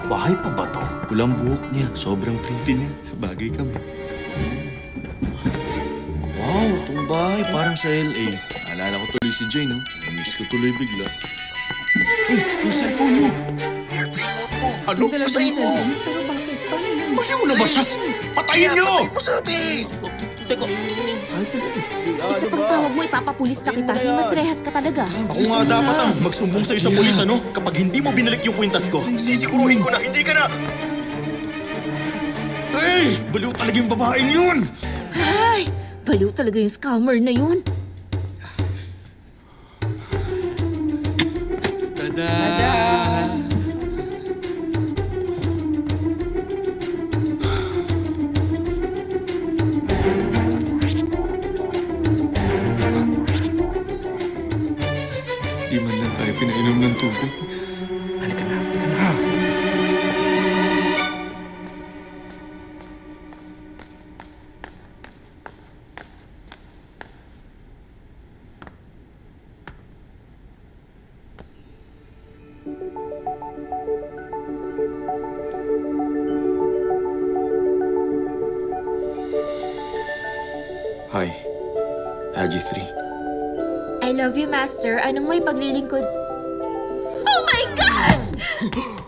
Bahay pa ba to? Pulang buhok niya, sobrang pretty niya. Bagay kami. Wow, itong bahay parang sa LA. Naalala ko tuloy si Jane, no? Miss ko tuloy bigla. Eh, yung cellphone mo! Ano? Dala siya ng cellphone. Pero bakit? Paano yun? Bayaw na ba siya? Patayin niyo! Teka. Isa pang tawag mo, ipapapulis na kita. Himas rehas ka talaga. Ako nga dapat ang magsumbong sa'yo sa pulis, ano? Kapag hindi mo binalik yung kwintas ko. Sisiguruhin ko na hindi ka na! Hey! Baliw talaga yung babaeng yun! Ay! Baliw talaga yung scammer na yun. Tada! Di man lang tayo pinainom ng tubig. Halika na, halika na. Hi, Haji 3. I love you, Master. Anong may paglilingkod? Oh my gosh!